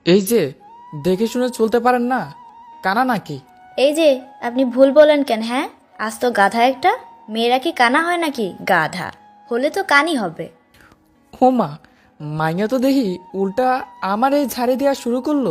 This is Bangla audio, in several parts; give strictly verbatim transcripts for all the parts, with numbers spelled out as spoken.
এই যে, দেখে শুনে চলতে পারেন না? কানা নাকি? এই যে, আপনি ভুল বলেন কেন? হ্যাঁ, আজ তো গাধা একটা। মেয়েরা কি কানা হয় নাকি? গাধা হলে তো কানই হবে। ও মা, মাইয়া তো দেখি উল্টা আমার এই ঝাড়ি দেওয়া শুরু করলো।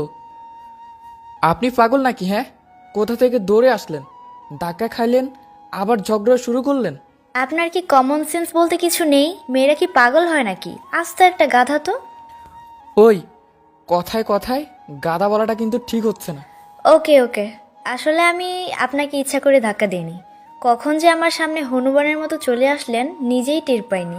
আপনি পাগল নাকি? হ্যাঁ, কোথা থেকে দৌড়ে আসলেন, ধাক্কা খাইলেন, আবার ঝগড়া শুরু করলেন? আপনার কি কমন সেন্স বলতে কিছু নেই? মেয়েরা কি পাগল হয় নাকি? আজ তো একটা গাধা তো। ওই, কথায় কথায় গাদা বলাটা কিন্তু ঠিক হচ্ছে না। ওকে ওকে, আসলে আমি আপনাকে ইচ্ছা করে ধাক্কা দিইনি। কখন যে আমার সামনে হনুমানের মতো চলে আসলেন নিজেই টের পাইনি।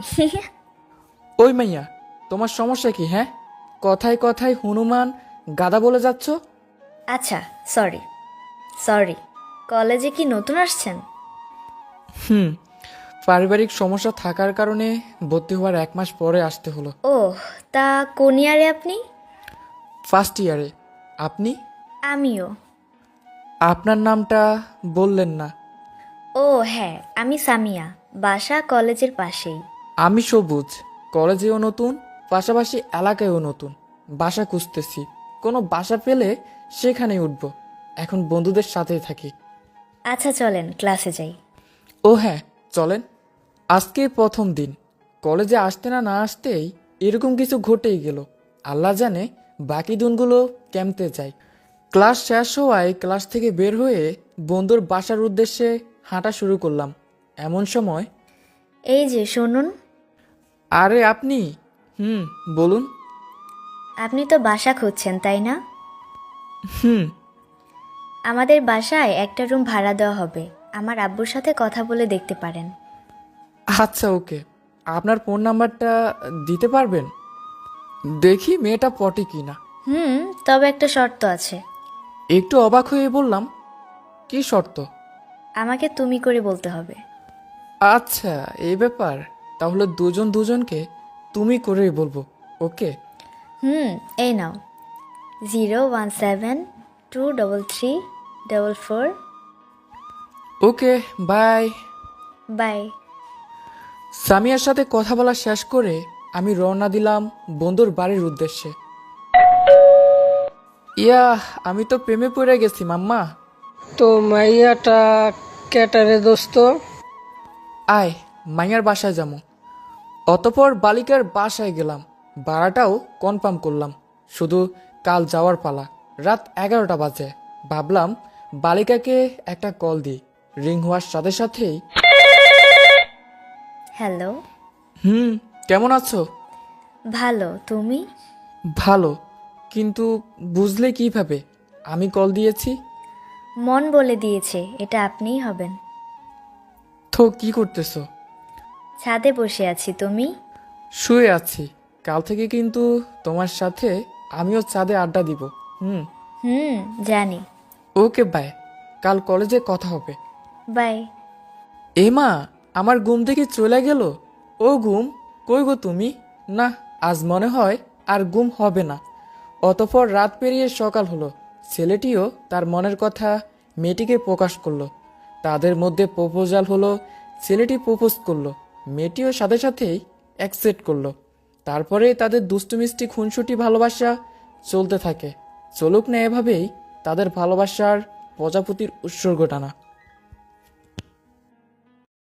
ওই মাইয়া, তোমার সমস্যা কি? হ্যাঁ, কথায় কথায় হনুমান গাদা বলে যাচ্ছ। আচ্ছা, সরি সরি। কলেজে কি নতুন আসছেন? হুম, পারিবারিক সমস্যা থাকার কারণে ভর্তি হওয়ার এক মাস পরে আসতে হলো। ও, তা কোন ইয়ারে আপনি? ফার্স্ট ইয়ারে। আপনি? আমিও। আপনার নামটা বললেন না। ও হ্যাঁ, আমি সামিয়া, বাসা কলেজের পাশেই। আমি সবুজ, কলেজেও নতুন, পাশাপাশি এলাকায়ও নতুন। বাসা খুঁজতেছি, কোনো বাসা পেলে সেখানেই উঠব। এখন বন্ধুদের সাথেই থাকি। আচ্ছা চলেন ক্লাসে যাই। ও হ্যাঁ, চলেন। আজকে প্রথম দিন, কলেজে আসতে না না আসতেই এরকম কিছু ঘটেই গেল। আল্লাহ জানে বাকি দিনগুলো কেমতে যায়। ক্লাস শেষ হওয়ায় ক্লাস থেকে বের হয়ে বন্ধুর বাসার উদ্দেশ্যে হাঁটা শুরু করলাম। এমন সময়, এই যে শুনুন। আরে আপনি? হুম, বলুন। আপনি তো বাসা খুঁজছেন তাই না? হুম। আমাদের বাসায় একটা রুম ভাড়া দেওয়া হবে। আমার আব্বুর সাথে কথা বলে দেখতে পারেন। আচ্ছা, ওকে। আপনার ফোন নাম্বারটা দিতে পারবেন? দেখি মেয়েটা পটে কি না। হুম, তবে একটা শর্ত আছে। একটু অবাক হয়ে বললাম, কি শর্ত? আমাকে তুমি করে বলতে হবে। আচ্ছা, এই ব্যাপার। তাহলে দুজন দুজনকে তুমি করেই বলবো। ওকে। হুম, এই নাও। Zero one seven two double three double four. Okay, bye. Bye. সামিয়ার সাথে কথা বলা শেষ করে আমি রওনা দিলাম বন্ধুর বাড়ির উদ্দেশ্যে। ইয়া, আমি তো প্রেমে পড়ে গেছি মাম্মা। তো মাইয়াটা ক্যাটারে দোস্ত। আয়, মাইয়ার বাসায় যাবো। অতপর বালিকার বাসায় গেলাম, ভাড়াটাও কনফার্ম করলাম। শুধু কাল যাওয়ার পালা। রাত এগারোটা বাজে। ভাবলাম বালিকাকে একটা কল দিই। রিং হওয়ার সাথে সাথেই, হ্যালো। হুম, কেমন আছো? ভালো, তুমি? ভালো, কিন্তু বুঝলে কিভাবে আমি কল দিয়েছি? মন বলে দিয়েছে এটা আপনিই হবেন। তো কি করতেছো? ছাদে বসে আছি, তুমি? শুয়ে আছি। কাল থেকে কিন্তু তোমার সাথে আমিও চাঁদে আড্ডা দিব। হুম। হুম, জানি। Okay, bye. কাল কলেজে কথা হবে। বাই। এ মা, আমার ঘুম থেকে চলে গেল। ও ঘুম, কই গো তুমি? না, আজ মনে হয় আর ঘুম হবে না। অতঃপর রাত পেরিয়ে সকাল হলো। ছেলেটিও তার মনের কথা মেয়েটিকে প্রকাশ করলো। তাদের মধ্যে প্রপোজাল হলো। ছেলেটি প্রপোজ করলো, মেয়েটিও সাথে সাথেই অ্যাকসেপ্ট করলো। তারপরে তাদের দুষ্টু মিষ্টি খুনসুটি ভালোবাসা চলতে থাকে। চলুক না এভাবেই তাদের ভালোবাসার প্রজাপতির উৎসর্গ টানা।